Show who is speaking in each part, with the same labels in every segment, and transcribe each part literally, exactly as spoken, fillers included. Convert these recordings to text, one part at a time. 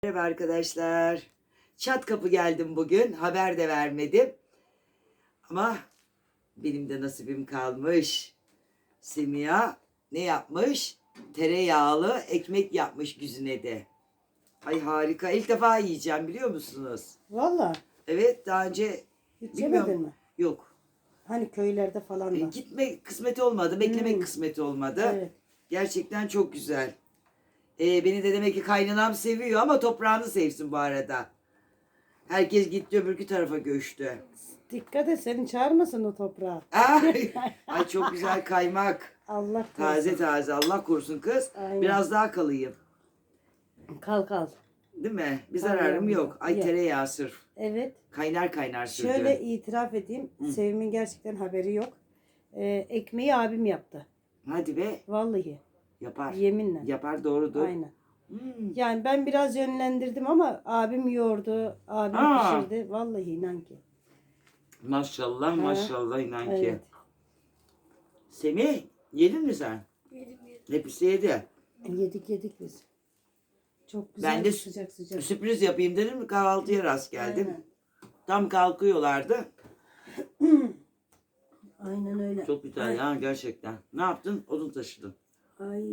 Speaker 1: Merhaba arkadaşlar. Çat kapı geldim bugün. Haber de vermedim. Ama benim de nasibim kalmış. Semiha ne yapmış? Tereyağlı ekmek yapmış güzine de. Ay harika. İlk defa yiyeceğim biliyor musunuz?
Speaker 2: Valla
Speaker 1: Evet daha önce
Speaker 2: hiç
Speaker 1: bilmiyorum.
Speaker 2: yemedin mi?
Speaker 1: Yok.
Speaker 2: Hani köylerde falan
Speaker 1: E,
Speaker 2: da.
Speaker 1: gitme kısmeti olmadı. Beklemek
Speaker 2: Hmm.
Speaker 1: kısmeti olmadı.
Speaker 2: Evet.
Speaker 1: Gerçekten çok güzel. E, beni de demek ki kaynanam seviyor ama toprağını sevsin bu arada. Herkes gitti öbürkü tarafa göçtü.
Speaker 2: Dikkat et seni çağırmasın o toprağa.
Speaker 1: Ay, ay çok güzel kaymak.
Speaker 2: Allah
Speaker 1: Taze
Speaker 2: korusun.
Speaker 1: taze Allah korusun kız.
Speaker 2: Aynen.
Speaker 1: Biraz daha kalayım.
Speaker 2: Kal kal.
Speaker 1: Değil mi? Bir
Speaker 2: Kal
Speaker 1: zararım
Speaker 2: yavrum.
Speaker 1: yok. Ay
Speaker 2: Ye.
Speaker 1: tereyağı sırf.
Speaker 2: Evet.
Speaker 1: Kaynar kaynar sürdü.
Speaker 2: Şöyle itiraf edeyim.
Speaker 1: Hı.
Speaker 2: Sevim'in gerçekten haberi yok. Ee, ekmeği abim yaptı.
Speaker 1: Hadi be.
Speaker 2: Vallahi.
Speaker 1: Yapar.
Speaker 2: Yeminle.
Speaker 1: Yapar doğrudur.
Speaker 2: Aynen.
Speaker 1: Hmm.
Speaker 2: Yani ben biraz yönlendirdim ama abim yoğurdu. Abim
Speaker 1: Aa.
Speaker 2: pişirdi. Vallahi inan ki.
Speaker 1: Maşallah
Speaker 2: Ha.
Speaker 1: maşallah inan ki.
Speaker 2: Evet.
Speaker 1: Semih yedin mi sen?
Speaker 3: Yedim yedim.
Speaker 1: Hepsi yedi.
Speaker 2: Yedik yedik biz. Çok güzel
Speaker 1: Ben de
Speaker 2: sıcak sıcak.
Speaker 1: Sürpriz yapayım dedim kahvaltıya rast geldim.
Speaker 2: Aynen.
Speaker 1: Tam kalkıyorlardı.
Speaker 2: Aynen öyle.
Speaker 1: Çok güzel
Speaker 2: Ay.
Speaker 1: ya gerçekten. Ne yaptın? Odun taşıdın.
Speaker 2: Ay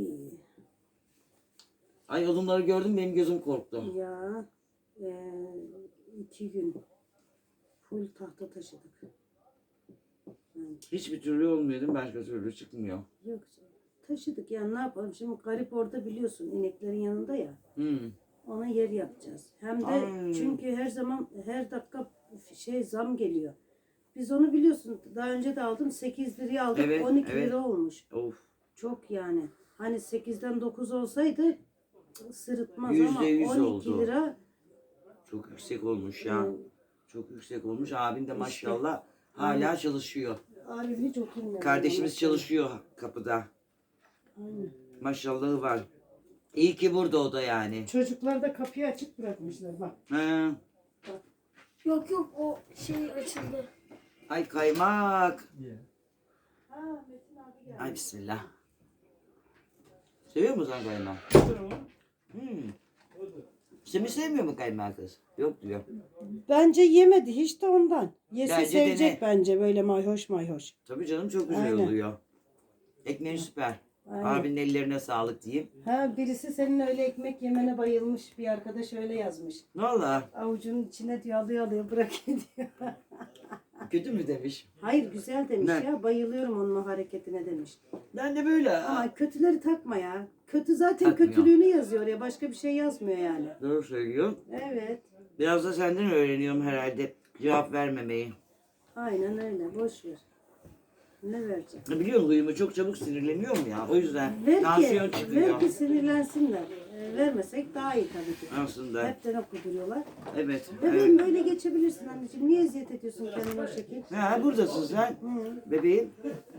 Speaker 1: Ay odunları gördüm benim gözüm korktu.
Speaker 2: ya e, iki gün full tahta taşıdık. Yani
Speaker 1: Hiçbir türlü olmuyor değil mi? Başka türlü çıkmıyor.
Speaker 2: yok taşıdık yani ne yapalım şimdi garip orada biliyorsun ineklerin yanında ya
Speaker 1: Hmm.
Speaker 2: ona yer yapacağız. Hem de
Speaker 1: Ay.
Speaker 2: çünkü her zaman her dakika şey zam geliyor. Biz onu biliyorsun daha önce de aldım sekiz liraya aldık
Speaker 1: Evet,
Speaker 2: on iki
Speaker 1: evet.
Speaker 2: lira olmuş.
Speaker 1: Of.
Speaker 2: Çok yani. Hani sekizden dokuz olsaydı sırıtmaz
Speaker 1: Yüzde
Speaker 2: ama
Speaker 1: yüz
Speaker 2: on iki
Speaker 1: oldu.
Speaker 2: lira
Speaker 1: Çok yüksek olmuş ya.
Speaker 2: e,
Speaker 1: Çok yüksek olmuş. Abin de
Speaker 2: İşte.
Speaker 1: maşallah hala
Speaker 2: Aynen.
Speaker 1: çalışıyor.
Speaker 2: abim hiç oturmuyor.
Speaker 1: Kardeşimiz
Speaker 2: Maşallah.
Speaker 1: çalışıyor kapıda.
Speaker 2: Aynen.
Speaker 1: Maşallahı var. İyi ki burada o da yani.
Speaker 2: Çocuklar da kapıyı açık bırakmışlar bak.
Speaker 1: He.
Speaker 3: Yok yok o şey açıldı.
Speaker 1: Ay kaymak.
Speaker 2: Ha Metin abi geldi.
Speaker 1: Ay bismillah. Seviyor musun sen kaymak? Hmm. Semih sevmiyor mu kaymağı kız? Yok diyor.
Speaker 2: Bence yemedi hiç de ondan. Yese
Speaker 1: Bence
Speaker 2: sevecek
Speaker 1: dene.
Speaker 2: bence böyle mayhoş mayhoş.
Speaker 1: Tabii canım çok güzel
Speaker 2: Aynen.
Speaker 1: oluyor. Ekmeğin süper.
Speaker 2: Aynen.
Speaker 1: Abinin ellerine sağlık diyeyim.
Speaker 2: Ha birisi senin öyle ekmek yemene bayılmış bir arkadaş öyle yazmış.
Speaker 1: Valla
Speaker 2: Avucunun içine diyor alıyor alıyor bırakıyor diyor.
Speaker 1: kötü mü demiş.
Speaker 2: Hayır güzel demiş
Speaker 1: Ne?
Speaker 2: ya bayılıyorum onun o hareketine demiş.
Speaker 1: Ben de böyle.
Speaker 2: Ama kötüleri takma ya. Kötü zaten
Speaker 1: Takmıyor.
Speaker 2: kötülüğünü yazıyor ya başka bir şey yazmıyor yani.
Speaker 1: Doğru söylüyor.
Speaker 2: Evet.
Speaker 1: Biraz da senden öğreniyorum herhalde. Cevap vermemeyi.
Speaker 2: Aynen öyle boş ver. Ne vereceğim?
Speaker 1: Biliyorsun huyumu çok çabuk sinirleniyorum ya. O yüzden
Speaker 2: Ver
Speaker 1: tansiyon
Speaker 2: ki,
Speaker 1: çıkıyor.
Speaker 2: ver ki sinirlensinler. Ee, vermesek daha iyi tabii ki.
Speaker 1: Aslında.
Speaker 2: Hepten okuduruyorlar.
Speaker 1: Evet.
Speaker 2: Bebeğim
Speaker 1: evet.
Speaker 2: böyle geçebilirsin anneciğim. Niye eziyet ediyorsun kendine o şekil?
Speaker 1: Ha, buradasın sen.
Speaker 2: Hı.
Speaker 1: Bebeğim.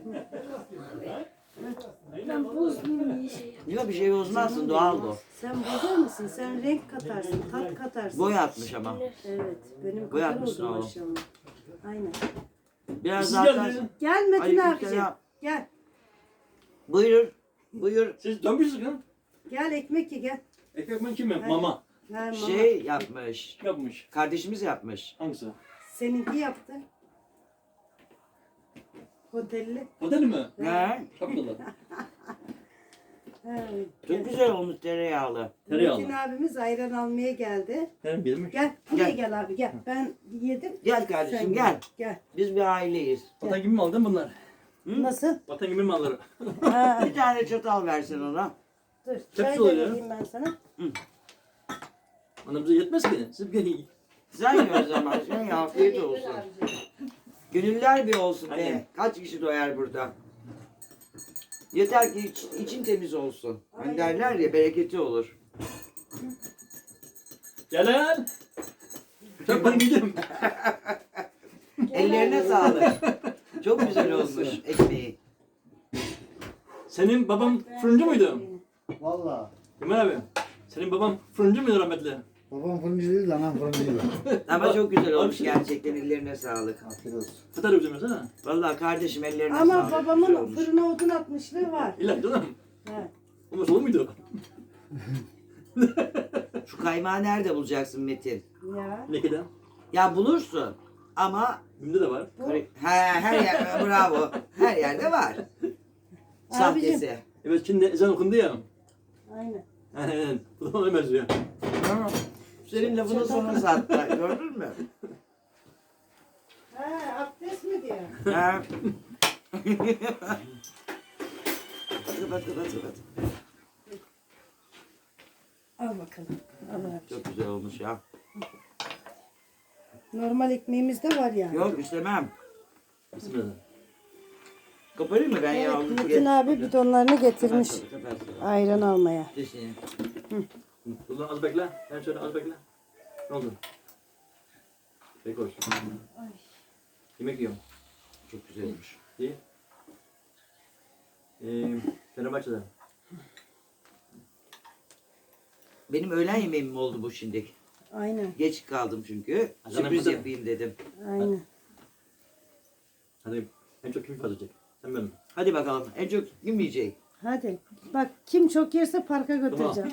Speaker 3: Ben bozmayayım diye şey yaptım.
Speaker 1: Yok bir şey bozmazsın. Doğal bu.
Speaker 2: Sen bozar mısın? Sen renk katarsın, tat katarsın.
Speaker 1: Boy atmış ama.
Speaker 2: Evet. Benim
Speaker 1: Boy
Speaker 2: kadar
Speaker 1: atmışsın
Speaker 2: oldu
Speaker 1: oğlum.
Speaker 2: maşallah. Aynen.
Speaker 1: Biraz
Speaker 4: Siz
Speaker 1: daha
Speaker 4: geldiniz.
Speaker 2: Gel Metin
Speaker 1: Aleyküm
Speaker 2: abicim.
Speaker 1: selam.
Speaker 2: Gel.
Speaker 1: Buyur. Buyur.
Speaker 4: Siz dönmüşsünüz lan.
Speaker 2: Gel ekmek ye gel.
Speaker 4: Ekmek ben kimim?
Speaker 2: Hadi.
Speaker 4: Mama.
Speaker 2: Ha, mama.
Speaker 1: Şey yapmış.
Speaker 4: Yapmış.
Speaker 1: Kardeşimiz yapmış.
Speaker 4: Hangisi?
Speaker 2: Seninki yaptı. Hotelli.
Speaker 4: Otel mi?
Speaker 1: Ne?
Speaker 4: Çok güzel.
Speaker 2: Ha,
Speaker 1: Çok güzel olmuş tereyağlı.
Speaker 4: Tereyağlı.
Speaker 2: Metin abimiz ayran almaya geldi.
Speaker 4: Benim bilmiş.
Speaker 2: Gel buraya
Speaker 1: Gel.
Speaker 2: gel abi gel. Ben yedim.
Speaker 1: Gel kardeşim
Speaker 2: Sen
Speaker 1: gel.
Speaker 2: Gel.
Speaker 1: Biz bir aileyiz.
Speaker 4: Vatan gibi mi aldın bunlar?
Speaker 1: Hı?
Speaker 2: Nasıl?
Speaker 4: Vatan gibi mi alır?
Speaker 2: Ha,
Speaker 1: Bir tane çatal versin ona.
Speaker 2: dur. Çay da
Speaker 4: oluyor.
Speaker 2: vereyim ben sana.
Speaker 4: Bana bize yetmez ki. Siz gelin.
Speaker 1: Sen ye o zaman. Sen ye, afiyet olsun. Gönüller bir olsun be.
Speaker 4: Aynen.
Speaker 1: Kaç kişi doyar burada? Yeter ki iç- için temiz olsun. Hani derler ya bereketi olur.
Speaker 4: Gelen. Çok ben gidiyorum.
Speaker 1: Ellerine sağlık. Çok güzel olmuş ekmeği.
Speaker 4: Senin baban fırıncı muydu?
Speaker 5: Valla.
Speaker 4: Ömer abi. Senin baban fırıncı mıydı rahmetli?
Speaker 5: Babam fırıncı değil, anam fırıncıydı.
Speaker 1: Ama çok güzel olmuş gerçekten. Ellerine sağlık.
Speaker 5: Afiyet olsun.
Speaker 4: Fıtar yapacağım mesela.
Speaker 1: Vallahi kardeşim ellerine
Speaker 2: Ama
Speaker 1: sağlık. Güzel
Speaker 2: babamın
Speaker 1: olmuş.
Speaker 2: fırına odun atmışlığı var.
Speaker 4: İlla canım.
Speaker 2: Ha.
Speaker 4: Olmaz olur muydu?
Speaker 1: Şu kaymağı nerede bulacaksın Metin?
Speaker 2: Ya.
Speaker 4: Nekeden.
Speaker 1: Ya bulursun ama
Speaker 4: Bim'de de var.
Speaker 1: he, her yer bravo. Her yerde var. Sahtesi.
Speaker 4: Evet şimdi ezan okundu ya.
Speaker 2: Aynen.
Speaker 4: Aynen. Bu da ona benziyor.
Speaker 1: Senin lafını sana sattı. Gördün mü?
Speaker 2: Ha, abdest mi diyor?
Speaker 1: Ha. Kapat kapat kapat.
Speaker 2: Al bakalım. Al abi.
Speaker 1: Çok güzel olmuş ya.
Speaker 2: Normal ekmeğimiz de var yani.
Speaker 1: Yok istemem.
Speaker 4: Bismillah.
Speaker 1: Koparayım mı ben ya?
Speaker 2: Evet,
Speaker 1: Onu
Speaker 2: Metin
Speaker 1: get-
Speaker 2: abi bidonlarını getirmiş
Speaker 1: Kapat, kapat, kapat.
Speaker 2: ayran almaya.
Speaker 1: Sesini.
Speaker 4: Ulan az bekle. Hem şöyle az bekle. Ne oldu? Peki olsun. Yemek yiyorum.
Speaker 1: Çok güzel olmuş.
Speaker 4: İyi. Ee, Fenerbahçe'de.
Speaker 1: Benim öğlen yemeğim mi oldu bu şimdi?
Speaker 2: Aynen.
Speaker 1: Geç kaldım çünkü.
Speaker 4: Hadi
Speaker 1: Sürpriz
Speaker 4: bakalım.
Speaker 1: yapayım dedim.
Speaker 2: Aynen.
Speaker 4: Hadi en çok kim kazanacak? Sen ben mi?
Speaker 1: Hadi bakalım. En çok kim yiyecek?
Speaker 2: Hadi. Bak kim çok yerse parka götüreceğim.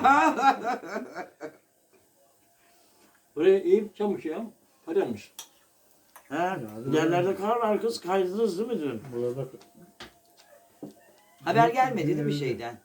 Speaker 4: Buraya iyi çamış ya. Hadi almış.
Speaker 1: Ha, yerlerde kar var kız. Kaydınız değil mi dün?
Speaker 5: Burada
Speaker 1: Haber gelmedi değil mi şeyden?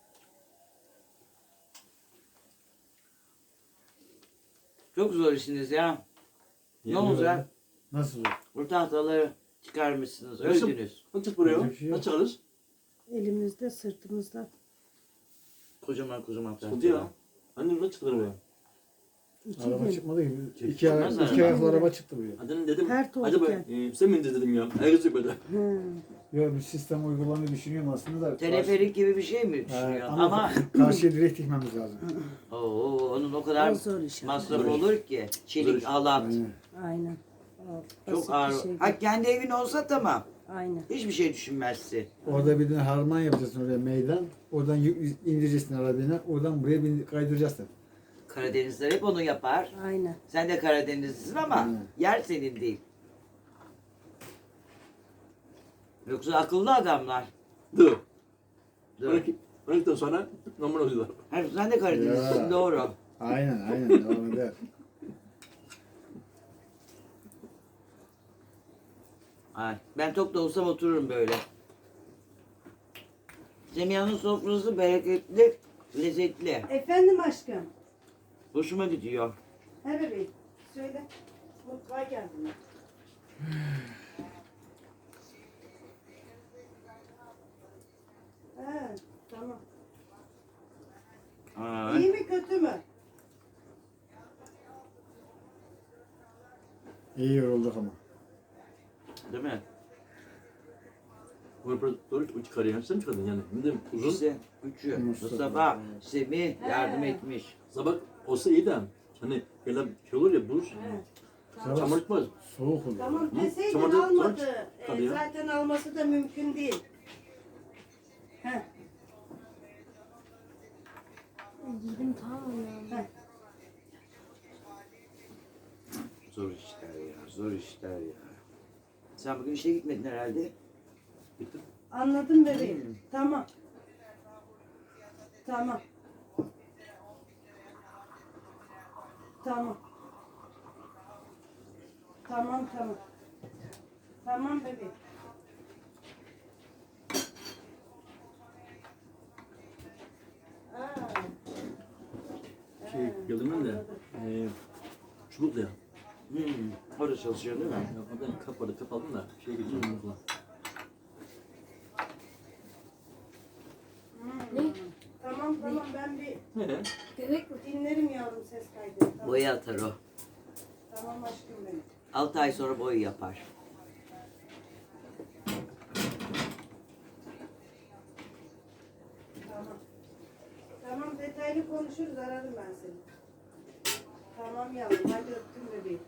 Speaker 1: Çok zor işiniz ya. Ne olacak?
Speaker 5: nasıl?
Speaker 1: Bu tahtaları çıkarmışsınız.
Speaker 4: Nasıl?
Speaker 1: Öldünüz.
Speaker 4: Nasıl çık buraya?
Speaker 5: Öyle bir şey yok.
Speaker 4: Nasıl çıkarız?
Speaker 2: Elimizde, sırtımızda.
Speaker 1: Kocaman kocaman
Speaker 4: Sıkıntı ya. Annem nasıl çıktı buraya?
Speaker 2: İki
Speaker 5: Araba
Speaker 2: gün.
Speaker 5: çıkmadı ki. İki,
Speaker 1: Çıkmaz
Speaker 5: ay, iki
Speaker 1: araba.
Speaker 5: ayaklı araba çıktı buraya.
Speaker 4: Annem dedim.
Speaker 2: Her tuğ
Speaker 4: Acaba
Speaker 2: diken.
Speaker 4: e, sen mi indirdin dedim ya. Ayak çıkmadı.
Speaker 2: Hı.
Speaker 5: Yok bir sistem uygulamayı düşünüyorum aslında da.
Speaker 1: Teleferik gibi bir şey mi
Speaker 5: Karşı-
Speaker 1: düşünüyor?
Speaker 5: Ee,
Speaker 1: Ama,
Speaker 5: ama karşıya direkt dikmemiz lazım.
Speaker 1: Oo, onun o kadar
Speaker 2: O zor iş. ama.
Speaker 1: masraf
Speaker 4: Zor iş.
Speaker 1: olur ki.
Speaker 4: Zor
Speaker 1: Çelik,
Speaker 4: iş.
Speaker 1: halat.
Speaker 5: Aynen.
Speaker 2: Aynen. O
Speaker 1: Çok
Speaker 2: basit bir
Speaker 1: ağır.
Speaker 2: şey
Speaker 1: Ha
Speaker 2: değil.
Speaker 1: kendi evin olsa tamam.
Speaker 2: Aynen.
Speaker 1: Hiçbir şey düşünmezsin.
Speaker 5: Orada bir tane harman yapacaksın oraya meydan. Oradan yük- indireceksin arabana. Oradan buraya bin- kaydıracaksın.
Speaker 1: Karadenizler hep onu yapar.
Speaker 2: Aynen.
Speaker 1: Sen de Karadenizlisin ama
Speaker 5: Hı.
Speaker 1: yer senin değil. Yoksa akıllı adamlar.
Speaker 4: Dur.
Speaker 1: Dur.
Speaker 4: on iki on ikiden sonra normal oluyorlar.
Speaker 1: Ha, sen de Karadenizlisin
Speaker 5: Ya.
Speaker 1: doğru.
Speaker 5: Aynen aynen devam eder.
Speaker 1: Ay, ben tok da olsam otururum böyle. Semiha'nın sofrası bereketli, lezzetli.
Speaker 2: Efendim aşkım.
Speaker 1: Hoşuma gidiyor.
Speaker 2: He bebeğim. Söyle. Mutfağa geldim. He, tamam.
Speaker 1: Ay.
Speaker 2: İyi mi kötü mü?
Speaker 5: İyi yorulduk ama.
Speaker 1: Değil mi?
Speaker 4: Bunu böyle doğru çıkarıyor. Sen mi çıkardın yani? Şimdi uzun.
Speaker 1: İkisi, üçü.
Speaker 5: Mustafa.
Speaker 1: Mustafa, Semih yardım
Speaker 2: He.
Speaker 1: etmiş.
Speaker 4: Sabah olsa iyi de. Hani böyle şey olur ya buz.
Speaker 2: He.
Speaker 4: Çamur tutmaz.
Speaker 5: Soğuk oluyor.
Speaker 2: Tamam
Speaker 4: Hı,
Speaker 2: deseydin
Speaker 4: çamaşır-
Speaker 2: almadı.
Speaker 4: çamaşır
Speaker 2: Ee,
Speaker 4: kalıyor.
Speaker 2: zaten alması da mümkün değil. He.
Speaker 3: Yedim tamam ya.
Speaker 2: He.
Speaker 1: Zor işler ya, zor işler ya. Sen bugün işe gitmedin herhalde.
Speaker 4: Bitti.
Speaker 2: Anladım bebeğim. Tamam. Tamam. Tamam. Tamam tamam. Tamam bebeğim. Aa,
Speaker 4: Şey geldim ben de. E, çubukla ya.
Speaker 1: Hmm, orada çalışıyorsun değil mi?
Speaker 4: Ya oradan kap vardı. Kap aldım da. Şey geçiyorum okula.
Speaker 2: hmm. Tamam tamam ben bir
Speaker 4: He.
Speaker 3: Bebek mi?
Speaker 2: dinlerim yavrum ses kaydını. Tamam,
Speaker 1: Boya atar o.
Speaker 2: tamam aşkım benim.
Speaker 1: altı ay sonra boyu yapar.
Speaker 2: Tamam. Tamam detaylı konuşuruz ararım ben seni. Tamam yavrum hadi öptüm bebeğim.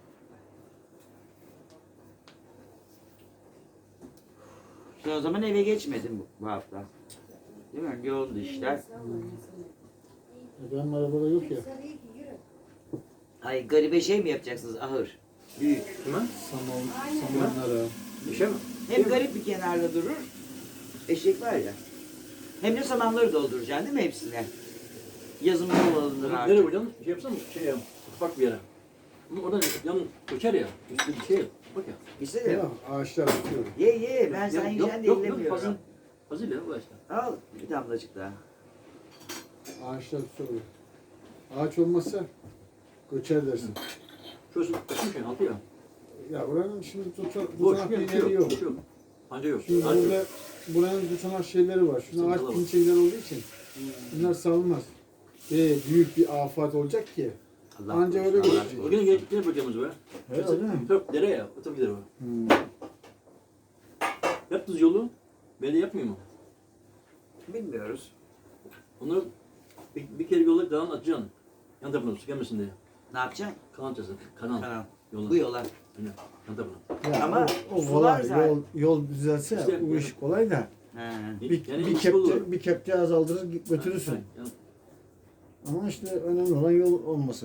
Speaker 1: Sen o zaman eve geçmedin bu, bu hafta. Değil mi? Yoğundu işler.
Speaker 5: Benim arabada yok ya.
Speaker 2: Sarıyı giy, yürü.
Speaker 1: Ay garibe şey mi yapacaksınız ahır? Büyük.
Speaker 4: Kime?
Speaker 5: Saman, samanlara.
Speaker 4: Bir şey mi?
Speaker 1: Hem garip bir kenarda durur. Eşek var ya. Hem de samanları dolduracaksın değil mi hepsine? Yazın bol alınır
Speaker 4: Nereye
Speaker 1: artık.
Speaker 4: koyacaksın? Şey yapsana şey ya. Ufak bir yere. Ama oradan yan koçar ya. Üstü bir şey. Bak ya.
Speaker 1: İşte de.
Speaker 5: Ya, ağaçlar tutuyor.
Speaker 1: Ye ye ben sen
Speaker 4: Yok,
Speaker 1: yiyeceğim de
Speaker 4: yok, yok,
Speaker 1: ellemiyorum.
Speaker 4: fazla- Fasulye bu işte.
Speaker 1: Al bir damlacık daha.
Speaker 5: Ağaçlar tutuyor. Ağaç olmazsa göçer dersin.
Speaker 4: Şurası kaçmış ya altı ya.
Speaker 5: Ya buranın şimdi tutan,
Speaker 4: Boş
Speaker 5: tutanak
Speaker 4: yok,
Speaker 5: bir
Speaker 4: şey
Speaker 5: yeri
Speaker 4: yok.
Speaker 5: yok.
Speaker 4: Boş yok. Panca yok.
Speaker 5: Şimdi
Speaker 4: Ağaç yok.
Speaker 5: burada buranın tutanak şeyleri var. Şuna ağaç
Speaker 4: Sıkıntılı var.
Speaker 5: pinçeler olduğu için bunlar salınmaz. Ve büyük bir afet olacak ki.
Speaker 1: Allah
Speaker 5: Anca
Speaker 1: korusun,
Speaker 5: öyle
Speaker 1: Allah
Speaker 5: götürecek.
Speaker 1: korusun.
Speaker 4: Bugün gel gel bacağımız var.
Speaker 5: Evet, öyle mi?
Speaker 4: Çok dere ya. O tabii dere var.
Speaker 5: Hmm.
Speaker 4: Yaptınız yolu. Belediye yapmıyor mu?
Speaker 1: Bilmiyoruz.
Speaker 4: Onları bir, bir kere yola devam atacaksın. Yan tarafına su gelmesin diye.
Speaker 1: Ne yapacaksın?
Speaker 4: Kanal açacaksın. Kanal.
Speaker 1: Tamam.
Speaker 4: Yola.
Speaker 1: Bu yola.
Speaker 4: Aynen. Yan tarafına.
Speaker 5: Ya
Speaker 1: Ama
Speaker 5: o, o
Speaker 1: sular
Speaker 5: kolay.
Speaker 1: zaten-
Speaker 5: Yol, yol düzelse
Speaker 4: İşte,
Speaker 5: bu iş kolay da.
Speaker 1: He.
Speaker 5: Bir,
Speaker 4: Yani
Speaker 5: bir,
Speaker 4: iş olur.
Speaker 5: kepçe, bir kepçe azaldırır götürürsün.
Speaker 4: Yani
Speaker 5: Ama işte önemli olan yol olması.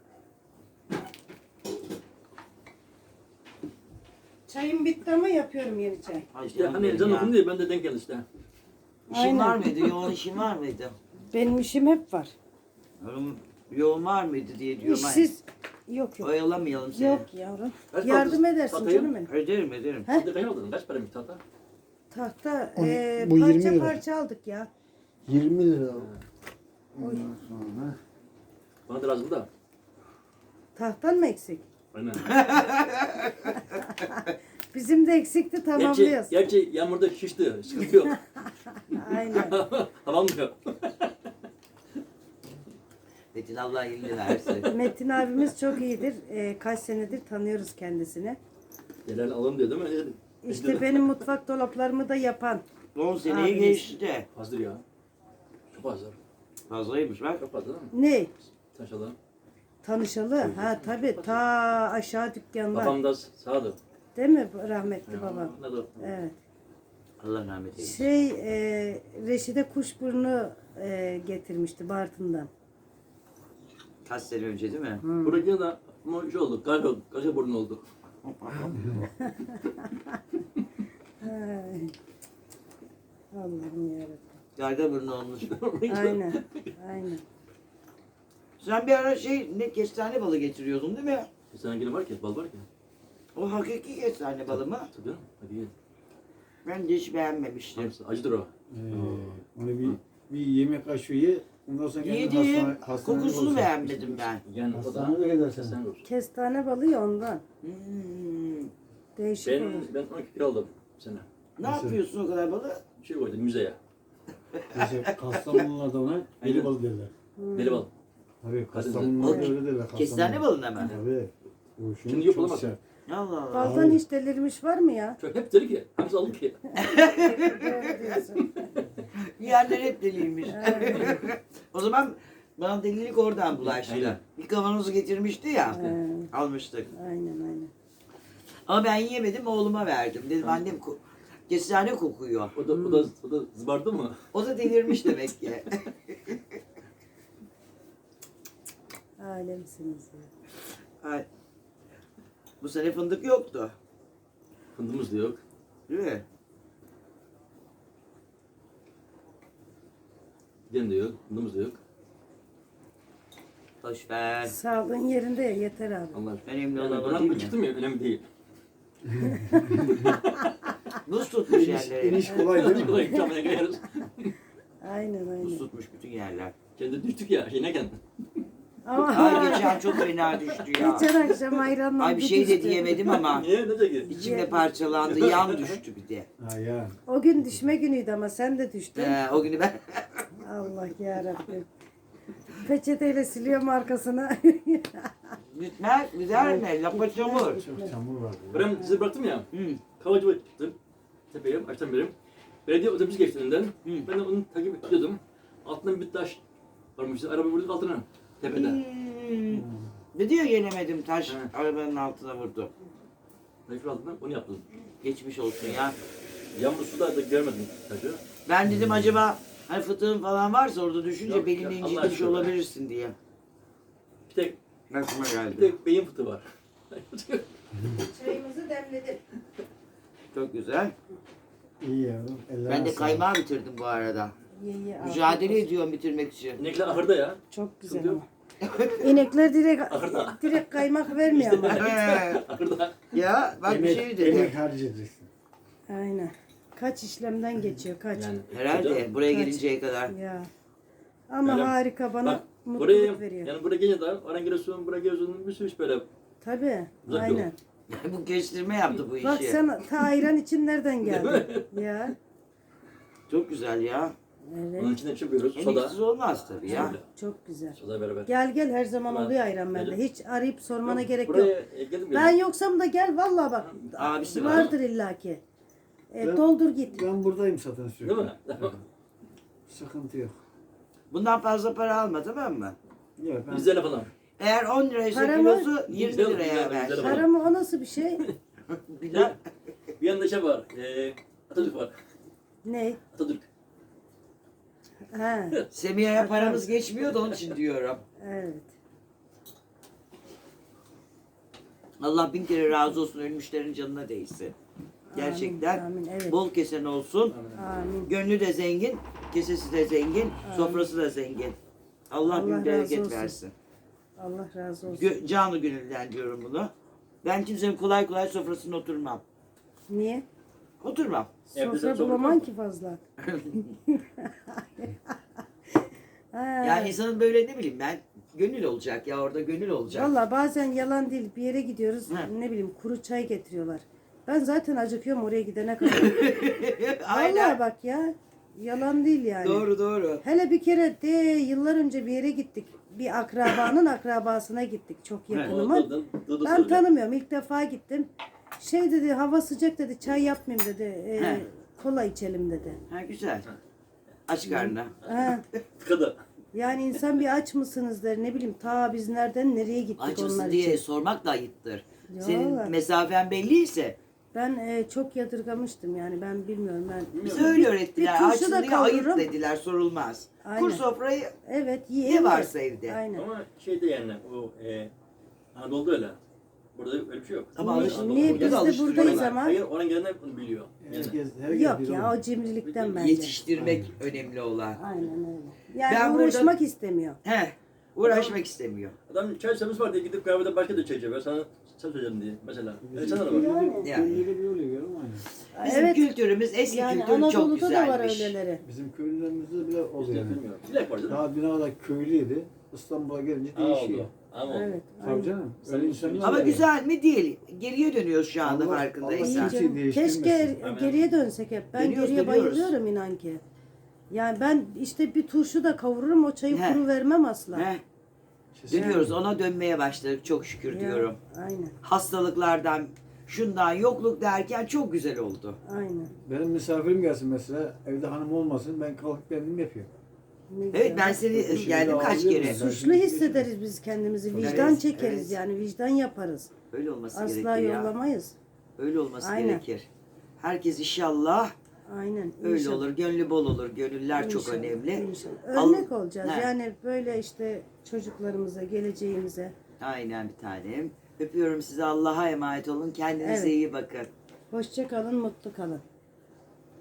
Speaker 2: Çayım bitti ama yapıyorum yeni çay.
Speaker 1: Ay
Speaker 4: İşte
Speaker 1: canım
Speaker 4: hani
Speaker 1: benim
Speaker 4: ezan
Speaker 1: ya.
Speaker 4: okundu diye ben de denk geldi işte.
Speaker 1: İşin
Speaker 2: Aynen.
Speaker 1: var mıydı? Yoğun işin var mıydı?
Speaker 2: Benim işim hep var.
Speaker 1: Oğlum, yoğun var mıydı diye diyorum. Ay,
Speaker 2: İşsiz. Yok yok.
Speaker 1: oyalamayalım seni.
Speaker 2: Yok yavrum.
Speaker 4: Kaç
Speaker 2: Yardım
Speaker 4: aldınız
Speaker 2: edersin
Speaker 4: tahtayı?
Speaker 2: canım benim.
Speaker 1: Ederim ederim.
Speaker 2: He?
Speaker 4: Tahta kaç aldın? Kaç para bir tahta?
Speaker 2: Tahta
Speaker 5: On-
Speaker 2: e,
Speaker 5: bu yirmi
Speaker 2: parça
Speaker 5: lira.
Speaker 2: parça aldık ya.
Speaker 5: yirmi lira.
Speaker 2: Oy.
Speaker 5: Ondan sonra
Speaker 4: Bana da lazım da.
Speaker 2: Tahtan mı eksik?
Speaker 4: Aynen.
Speaker 2: Bizim de eksikti
Speaker 4: Gerçi,
Speaker 2: tamamlıyoruz.
Speaker 4: gerçi yağmurda şişti. Sıkıntı yok.
Speaker 2: Aynen.
Speaker 4: Havalmıyor.
Speaker 1: Metin Allah iyiliğini versin.
Speaker 2: Metin abimiz çok iyidir. E, kaç senedir tanıyoruz kendisini.
Speaker 4: Yerel alalım diyor değil mi? Dedim.
Speaker 2: İşte benim mutfak dolaplarımı da yapan.
Speaker 1: on seneyi
Speaker 2: Abimiz.
Speaker 1: geçti de.
Speaker 4: Fazladır ya. Çok fazla.
Speaker 1: Fazlaymış bak.
Speaker 4: Çok fazla değil mi?
Speaker 2: Ne?
Speaker 4: Taşalım.
Speaker 2: Tanışalı. Ha tabii ta aşağı dükkanlar.
Speaker 4: Babam da sağdı.
Speaker 2: Değil mi rahmetli babam?
Speaker 4: Ne de
Speaker 2: Evet.
Speaker 1: Allah rahmet eylesin.
Speaker 2: Şey e, Reşide kuşburnu e, getirmişti Bartın'dan.
Speaker 1: Kaç sene önce değil mi?
Speaker 4: Buradaki de ama şey oldu. Gaga, gaga burnu oldu.
Speaker 2: Ay. Allah'ım yarabbim.
Speaker 1: Garga burnu olmuş.
Speaker 2: Aynen. Aynen.
Speaker 1: Sen bir ara şey ne kestane balı getiriyordun değil mi?
Speaker 4: Bir tane gene var ki, bal var ki.
Speaker 1: O hakiki kestane balı mı?
Speaker 4: Tabii. Hadi gel.
Speaker 1: Ben de hiç beğenmemiştim.
Speaker 4: Hangisi? Acıdır o.
Speaker 5: Ee, onu bir, bir yemek kaşığı ye. Ondan sonra kendin
Speaker 1: Yedim.
Speaker 5: hastane, hastanede
Speaker 1: Kokusunu
Speaker 5: olursun.
Speaker 1: beğenmedim ben.
Speaker 4: Yani o da
Speaker 5: Hastanede gidersen.
Speaker 4: sen olsun.
Speaker 2: Kestane balı ya ondan.
Speaker 1: Hmm.
Speaker 2: Değişik
Speaker 4: Ben,
Speaker 2: olur.
Speaker 4: ben on iki kilo aldım bu sene.
Speaker 1: Ne yapıyorsun o kadar balı?
Speaker 4: Bir şey koydum müzeye.
Speaker 5: Mesela Kastamonularda ona
Speaker 4: Aynen.
Speaker 5: deli balı derler.
Speaker 4: Deli bal.
Speaker 5: Tabii
Speaker 1: O-
Speaker 5: Kastamonularda öyle derler.
Speaker 1: Kestane
Speaker 5: Kastamonu.
Speaker 1: balına mı?
Speaker 5: Tabii. O
Speaker 4: Şimdi
Speaker 5: şunu
Speaker 4: yok,
Speaker 5: çok
Speaker 4: olamaz.
Speaker 5: sert.
Speaker 1: Allah Allah.
Speaker 2: Baldan hiç delirmiş var mı ya?
Speaker 4: Çok hep deli ki. Hangisi aldım ki?
Speaker 2: Doğru diyorsun.
Speaker 1: Yiyenler hep deliymiş. O zaman bana delilik oradan bulaştı.
Speaker 4: Aynen.
Speaker 1: Bir kavanozu getirmişti ya.
Speaker 2: He,
Speaker 1: Almıştık.
Speaker 2: aynen aynen.
Speaker 1: Ama ben yiyemedim oğluma verdim. Dedim annem ko- kestane kokuyor.
Speaker 4: O da, o da, o da zıbardı mı?
Speaker 1: O da delirmiş demek ki.
Speaker 2: Alemsiniz ya.
Speaker 1: Ay. Bu sene fındık yoktu.
Speaker 4: Fındığımız da yok.
Speaker 1: Değil mi?
Speaker 4: Giden de yok. Fındığımız da yok.
Speaker 1: Boş ver.
Speaker 2: Sağlığın yerinde ya yeter abi.
Speaker 4: Allah aşkına.
Speaker 1: Önemli
Speaker 4: Yani
Speaker 1: olan o
Speaker 4: buna
Speaker 1: değil
Speaker 4: mı
Speaker 1: mi?
Speaker 4: çıktım ya önemli değil.
Speaker 1: Buz tutmuş
Speaker 5: İniş,
Speaker 1: yerleri.
Speaker 5: iniş kolay değil mi?
Speaker 4: Kolay kamera koyarız.
Speaker 2: Aynen
Speaker 1: Buz
Speaker 2: aynen.
Speaker 1: tutmuş bütün yerler.
Speaker 4: Kendi düştük ya. Şey ne kendi?
Speaker 2: Ama
Speaker 1: Ay geçen çok fena düştü ya.
Speaker 2: geçen akşam ayranla
Speaker 1: Ay bir şey de diyemedim ama
Speaker 4: Niye? Ne de ki?
Speaker 1: içimde parçalandı. Yan düştü bir de.
Speaker 5: Ha ya.
Speaker 2: O gün düşme günüydü ama sen de düştün.
Speaker 1: Ee, o günü ben
Speaker 2: Allah yarabbim. Peçeteyle siliyorum arkasına.
Speaker 1: gitmez, gider mi? Lapa çamur.
Speaker 5: Çok çamur var.
Speaker 4: Ben sizi bıraktım ya.
Speaker 1: Hı.
Speaker 4: Kavacıma çıktım. Tepeye, açtan beri. Belediye otobüs geçti önünden.
Speaker 1: Hı.
Speaker 4: Ben de onu takip ediyordum. Altından bir taş varmış. Araba vurduk altına. Tepede.
Speaker 1: Hmm. Ne diyor yenemedim taş
Speaker 4: He.
Speaker 1: arabanın altına vurdu.
Speaker 4: Ben şu altından onu yaptım.
Speaker 1: Geçmiş olsun ya.
Speaker 4: Yağmur suda da görmedim taşı.
Speaker 1: Ben dedim acaba hani fıtığın falan varsa orada düşünce
Speaker 4: Yok,
Speaker 1: belini
Speaker 4: yok, Allah
Speaker 1: incitmiş
Speaker 4: aşkına.
Speaker 1: olabilirsin diye.
Speaker 4: Bir tek,
Speaker 1: Aklıma
Speaker 4: bir
Speaker 1: geldi.
Speaker 4: tek beyin fıtığı var.
Speaker 2: Çayımızı demledim.
Speaker 1: Çok güzel.
Speaker 5: İyi yavrum. Ellerine
Speaker 1: Ben de
Speaker 5: sağlık.
Speaker 1: kaymağı bitirdim bu arada.
Speaker 2: Ye ye. afiyet
Speaker 1: Mücadele
Speaker 2: olsun.
Speaker 1: ediyorum bitirmek için.
Speaker 4: İnekler ahırda ya.
Speaker 2: Çok güzel
Speaker 4: Sıkıntı
Speaker 2: ama. İnekler direkt
Speaker 4: Ahırda.
Speaker 2: direkt kaymak vermiyor ama.
Speaker 4: Ahırda.
Speaker 1: Ya bak bir
Speaker 5: Emek,
Speaker 1: şey dedi.
Speaker 5: emek harcayacaksın.
Speaker 2: Aynen. Kaç işlemden geçiyor kaç.
Speaker 4: Yani,
Speaker 1: Herhalde buraya
Speaker 2: Kaç?
Speaker 1: gelinceye kadar.
Speaker 2: Ya. Ama
Speaker 4: Öyle-
Speaker 2: harika bana
Speaker 4: Bak
Speaker 2: mutluluk
Speaker 4: buraya,
Speaker 2: veriyor.
Speaker 4: yani buraya gelince de oradan geliyorsun, buraya geliyorsun, bir sürü iş böyle.
Speaker 2: Tabii.
Speaker 4: Uzak yol.
Speaker 2: Aynen.
Speaker 1: Bu kestirme yaptı bu işi.
Speaker 2: Bak sen ta ayran için nereden geldin? ya.
Speaker 1: Çok güzel ya.
Speaker 2: Evet.
Speaker 4: Onun içinde çıkıyoruz, soda.
Speaker 1: Eniksiz olmaz tabii ya.
Speaker 4: Öyle.
Speaker 2: Çok güzel.
Speaker 4: Soda beraber.
Speaker 2: Gel gel her zaman
Speaker 4: Ulan,
Speaker 2: oluyor ayran bende.
Speaker 4: gelin.
Speaker 2: Hiç arayıp sormana
Speaker 4: Yok,
Speaker 2: gerek
Speaker 4: buraya,
Speaker 2: yok.
Speaker 4: e, geldim
Speaker 2: Ben
Speaker 4: geldim.
Speaker 2: yoksam da gel vallahi bak.
Speaker 1: Abisi var.
Speaker 2: Vardır illaki. E,
Speaker 5: Ben-
Speaker 2: doldur git.
Speaker 5: Ben buradayım zaten sürekli.
Speaker 4: Değil mi?
Speaker 5: Evet. Sıkıntı yok.
Speaker 1: Bundan fazla para alma tamam mı?
Speaker 5: Yok ben
Speaker 4: Yüz lira falan.
Speaker 1: Eğer on liraysa
Speaker 2: Para mı?
Speaker 1: kilosu yirmi
Speaker 4: Güzel,
Speaker 1: liraya
Speaker 4: güzel,
Speaker 1: ver.
Speaker 4: güzel.
Speaker 2: Para mı o nasıl bir şey?
Speaker 1: Bilal.
Speaker 4: Bir yanda şey var, e, Atatürk var.
Speaker 2: ne?
Speaker 4: Atatürk.
Speaker 2: Ha,
Speaker 1: Semiha'ya paramız geçmiyor da onun için diyorum.
Speaker 2: evet.
Speaker 1: Allah bin kere razı olsun ölmüşlerin canına değsin. Gerçekten
Speaker 2: Amin, amin, evet.
Speaker 1: bol kesen olsun.
Speaker 2: Amin.
Speaker 1: Gönlü de zengin, kesesi de zengin, sofrası da zengin. Allah,
Speaker 2: Allah
Speaker 1: bin
Speaker 2: razı
Speaker 1: bereket
Speaker 2: olsun.
Speaker 1: versin.
Speaker 2: Allah razı olsun.
Speaker 1: Gö- canı gönülden diyorum bunu. Ben kimsenin kolay kolay sofrasına oturmam.
Speaker 2: Niye?
Speaker 1: Oturmam.
Speaker 4: Evde sen
Speaker 2: Sofra
Speaker 4: sofra
Speaker 2: bulaman
Speaker 4: kur.
Speaker 2: ki fazla. Ha.
Speaker 1: Yani insanın böyle ne bileyim ben gönül olacak ya orada gönül olacak.
Speaker 2: Valla bazen yalan değil bir yere gidiyoruz
Speaker 1: He.
Speaker 2: ne bileyim kuru çay getiriyorlar. Ben zaten acıkıyorum oraya gidene kadar.
Speaker 1: Aynen.
Speaker 2: Valla bak ya yalan değil yani.
Speaker 1: Doğru doğru.
Speaker 2: Hele bir kere de yıllar önce bir yere gittik. Bir akrabanın akrabasına gittik çok
Speaker 4: O
Speaker 2: yakınıma.
Speaker 4: dı- dı- dı- dı
Speaker 2: Ben
Speaker 4: söyle.
Speaker 2: tanımıyorum ilk defa gittim. Şey dedi hava sıcak dedi çay yapmayayım dedi. e,
Speaker 1: He.
Speaker 2: kola içelim dedi.
Speaker 1: Ha güzel. Aç karnına.
Speaker 2: Ha.
Speaker 4: Tıkadı.
Speaker 2: Yani insan bir aç mısınız der ne bileyim ta biz nereden nereye gittik
Speaker 1: Aç
Speaker 2: onlar
Speaker 1: mısın diye
Speaker 2: için.
Speaker 1: sormak da ayıptır.
Speaker 2: Ya
Speaker 1: Senin
Speaker 2: vallahi.
Speaker 1: mesafen belliyse
Speaker 2: Ben e, çok yadırgamıştım yani ben bilmiyorum ben.
Speaker 1: bize öyle öğrettiler.
Speaker 2: bir turşu
Speaker 1: Açsın
Speaker 2: da
Speaker 1: diye ayıp
Speaker 2: kavururum.
Speaker 1: dediler sorulmaz.
Speaker 2: Aynen.
Speaker 1: Kur sofrayı
Speaker 2: Evet
Speaker 1: ne
Speaker 2: yiyelim.
Speaker 1: varsa evde.
Speaker 2: Aynen.
Speaker 4: Ama şeyde yani o e, Anadolu'da öyle. Burada öyle bir şey yok.
Speaker 1: Ama
Speaker 2: Niye-
Speaker 1: alıştırma-
Speaker 2: niye
Speaker 1: burada
Speaker 2: biz
Speaker 1: da
Speaker 2: de
Speaker 1: alıştırıyorlar.
Speaker 2: buradayız ama?
Speaker 4: Hayır, oran gelenler bunu biliyor. Yani.
Speaker 5: herkes, herkes
Speaker 2: Yok
Speaker 5: bir
Speaker 2: ya
Speaker 5: olur.
Speaker 2: o cimrilikten bence.
Speaker 1: Yetiştirmek önemli olan.
Speaker 2: Aynen öyle. Yani
Speaker 1: Ben
Speaker 2: uğraşmak
Speaker 1: burada-
Speaker 2: istemiyor.
Speaker 1: He, uğraşmak istemiyor.
Speaker 4: Adam çay servis var diye gidip kahvede başka da çay içiyor. Ben sana sen söyleyeceğim diye mesela. Öyle sana da bak.
Speaker 2: Yani.
Speaker 1: Yani.
Speaker 5: Köylüde bir oluyor görüyor musun?
Speaker 1: Bizim
Speaker 2: Evet.
Speaker 1: kültürümüz, eski
Speaker 2: Yani
Speaker 1: kültür çok
Speaker 2: Anadolu'da da var
Speaker 1: güzelmiş.
Speaker 2: öyleleri.
Speaker 5: Bizim köylülerimizde bile oluyor
Speaker 4: İşte
Speaker 5: yani.
Speaker 4: bilmiyorum. Dilek var canım.
Speaker 5: Daha bir kadar köylüydü. İstanbul'a gelince
Speaker 4: Aa,
Speaker 5: değişiyor.
Speaker 4: oldu. Ama oldu.
Speaker 2: Evet.
Speaker 5: Tabii
Speaker 2: aynen.
Speaker 5: canım. Öyle insanlar
Speaker 1: Ama
Speaker 5: var.
Speaker 1: güzel mi değil. Geriye dönüyoruz şu anda
Speaker 5: Allah-
Speaker 1: farkındaysan.
Speaker 2: İyi
Speaker 5: Allah-
Speaker 2: canım.
Speaker 5: değiştirmesin.
Speaker 2: Keşke
Speaker 4: Hemen.
Speaker 2: geriye dönsek hep. Ben
Speaker 1: Dönüyoruz,
Speaker 2: geriye
Speaker 1: dönüyoruz.
Speaker 2: bayılıyorum inan ki. Yani ben işte bir turşu da kavururum o çayı
Speaker 1: He.
Speaker 2: kuru vermem asla.
Speaker 1: He,
Speaker 5: Kesinlikle.
Speaker 1: dönüyoruz ona dönmeye başladık çok şükür
Speaker 2: Ya,
Speaker 1: diyorum.
Speaker 2: Aynen.
Speaker 1: Hastalıklardan, şundan yokluk derken çok güzel oldu.
Speaker 2: Aynen.
Speaker 5: Benim misafirim gelsin mesela. Evde hanım olmasın. Ben kalkıp kendim yapıyorum.
Speaker 2: Ne
Speaker 1: Evet
Speaker 2: güzel.
Speaker 1: ben seni
Speaker 5: Şimdi
Speaker 1: geldim kaç
Speaker 5: ağlıyorum
Speaker 1: kere.
Speaker 5: ben.
Speaker 2: Suçlu hissederiz biz kendimizi. Vicdan
Speaker 1: Evet,
Speaker 2: çekeriz
Speaker 1: evet.
Speaker 2: yani. Vicdan yaparız.
Speaker 1: Öyle olması
Speaker 2: Asla
Speaker 1: gerekir ya.
Speaker 2: yollamayız.
Speaker 1: Öyle olması
Speaker 2: Aynen.
Speaker 1: gerekir. Herkes inşallah
Speaker 2: Aynen.
Speaker 1: öyle
Speaker 2: İnşallah.
Speaker 1: olur. Gönlü bol olur. Gönüller çok
Speaker 2: İnşallah,
Speaker 1: önemli.
Speaker 2: inşallah.
Speaker 1: Al-
Speaker 2: Örnek olacağız.
Speaker 1: He.
Speaker 2: Yani böyle işte çocuklarımıza, geleceğimize.
Speaker 1: Aynen bir tanem. Öpüyorum sizi. Allah'a emanet olun. Kendinize
Speaker 2: Evet.
Speaker 1: iyi bakın.
Speaker 2: Hoşça kalın, mutlu kalın.